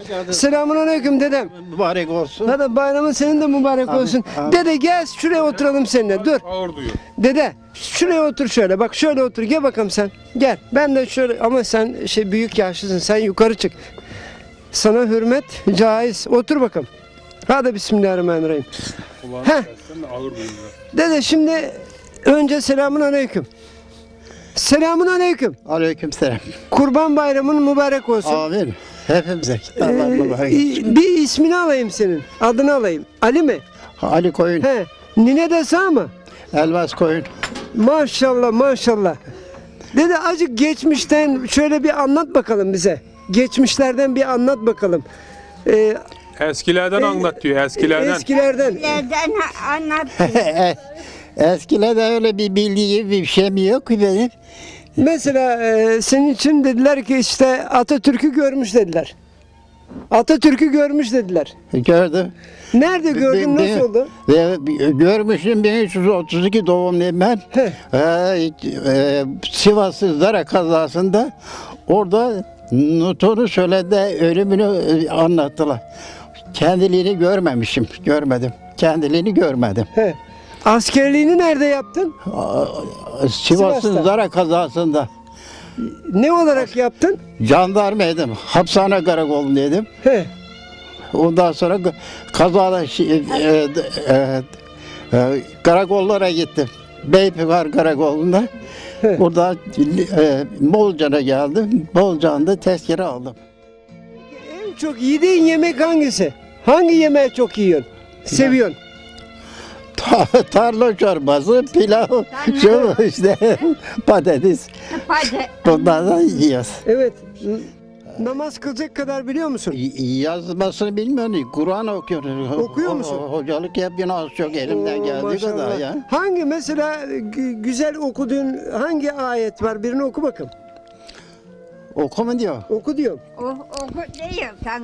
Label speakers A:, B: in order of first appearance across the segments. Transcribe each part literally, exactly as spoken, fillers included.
A: Selamun aleyküm dedem.
B: Mübarek olsun.
A: Hadi bayramın senin de mübarek
B: Amin,
A: olsun.
B: amin.
A: Dede gel şuraya oturalım seninle. Dur.
C: Ağır duyuyor.
A: Dede şuraya otur şöyle. Bak şöyle otur. Gel bakalım sen. Gel. Ben de şöyle ama sen şey büyük yaşlısın. Sen yukarı çık. Sana hürmet caiz. Otur bakalım. Hadi bismillahirrahmanirrahim.
C: Kulağını
A: Heh.
C: kessen de ağır duyuyor.
A: Dede şimdi önce selamun aleyküm. Selamun aleyküm.
B: Aleykümselam.
A: Kurban bayramın mübarek olsun.
B: Amin. Hepimize
A: Ee,
B: kitaplar mübarek.
A: i- bir ismini alayım senin. Adını alayım. Ali mi?
B: Ali Koyun,
A: He. Nine de sağ mı?
B: Elmas Koyun.
A: Maşallah maşallah. Dede acık geçmişten şöyle bir anlat bakalım bize. Geçmişlerden bir anlat bakalım. Ee,
C: Eskilerden anlat diyor, eskilerden.
A: Eskilerden.
D: Nereden anlat?
B: Eskilerde öyle bir bildiğim bir şeyim yok ki benim.
A: Mesela e, senin için dediler ki işte Atatürk'ü görmüş dediler. Atatürk'ü görmüş dediler.
B: Gördüm.
A: Nerede gördün,
B: Ben-
A: nasıl
B: ben-
A: oldu?
B: Ve görmüşüm bin üç yüz otuz iki doğumluyum ben.
A: Heh.
B: Ee, e, Sivas Zara kazasında orada Nuton'u söyledi, ölümünü e, anlattılar. Kendiliğini görmemişim, görmedim. Kendiliğini görmedim.
A: He. Askerliğini nerede yaptın?
B: Aa,
A: Sivas'ta.
B: Sivas'ın Zara kazasında
A: Ne olarak yaptın?
B: jandarmaydım, hapishane karakolundaydım.
A: He.
B: Ondan sonra g- kazada şi- e, e, e, karakollara gittim. Beypınar Karakolu'nda.
A: He.
B: Burada e, Bolcan'a geldim. Bolcan'da tezkere aldım.
A: En çok yediğin yemek hangisi? Hangi yemeği çok yiyorsun? Seviyorsun?
B: Ta- tarla çorbası, pilav, şu işte patates.
D: Hadi.
B: Bunlardan yiyoruz.
A: Evet. N- Namaz kılacak kadar biliyor musun?
B: Y- Yazmasını bilmiyorum. Kur'an okuyoruz.
A: Okuyor musun?
B: Ho- Hocalık yapıyorum az çok elimden
A: Oo,
B: geldiği
A: maşallah.
B: kadar ya.
A: Hangi mesela gü- güzel okuduğun hangi ayet var? Birini oku bakalım.
B: Oku mu diyor?
A: Oku diyorum.
D: O, o diyor sana.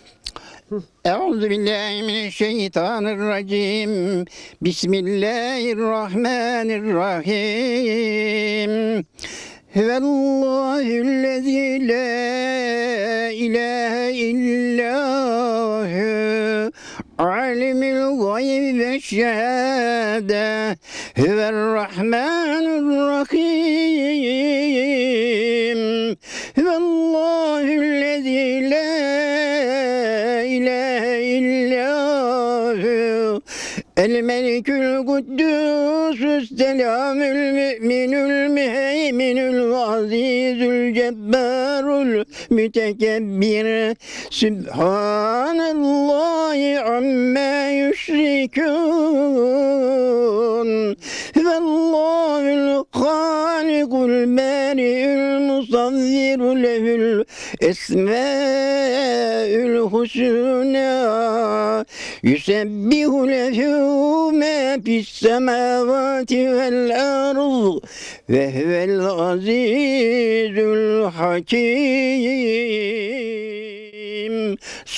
B: Euzu billahi mineşşeytanirracim. Bismillahirrahmanirrahim. Huvellahüllezî la ilahe illâhu alimul gaybi ve şehâde huverrahmanirrahim. Huvellahüllezî la ilahe illâhu el melikül kuddüsü's selamül müminül müheyminül azizül cebbarul mütekebbir Sübhanallahi amma yüşrikûn Vallâhul hâlikul bâri'ül musavviru lehül esmâül husnâ yusebbihu lehu mâ fissemâvâti vel arz ve huvel azîzül hakim.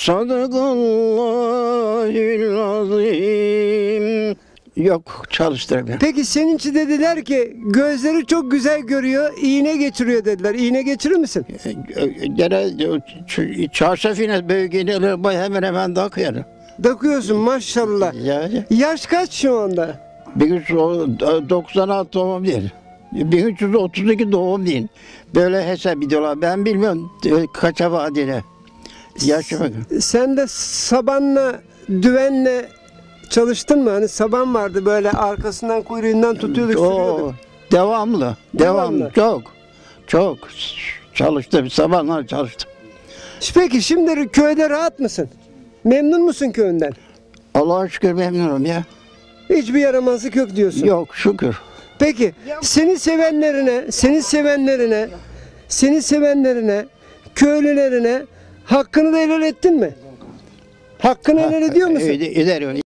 B: Sadakallahül azim. Yok, çalıştıramıyorum.
A: Peki senin için dediler ki gözleri çok güzel görüyor, iğne geçiriyor dediler. İğne geçirir misin?
B: Gene çarşaf yine büyük iğneleri hemen hemen takıyorum.
A: Takıyorsun maşallah.
B: Ya,
A: Yaş kaç şu anda?
B: bin üç yüz doksan altı doğum değil. bin üç yüz otuz iki doğum değil. Böyle hesap ediyorlar. Ben bilmiyorum e, kaça vadeli. Yaşa bakın.
A: Sen de sabanla, düvenle çalıştın mı? Hani saban vardı böyle arkasından kuyruğundan tutuyorduk,
B: O
A: sürüyorduk.
B: devamlı.
A: Devamlı.
B: Devamlı. Çok. Çok çalıştım. Sabahlar çalıştım.
A: Peki şimdi köyde rahat mısın? Memnun musun köyünden?
B: Allah'a şükür memnunum ya.
A: Hiçbir yaramazlık yok diyorsun.
B: Yok şükür.
A: Peki seni sevenlerine, seni sevenlerine, seni sevenlerine, köylülerine hakkını da helal ettin mi? Hakkını helal ediyor musun?
B: Eder- Ederim.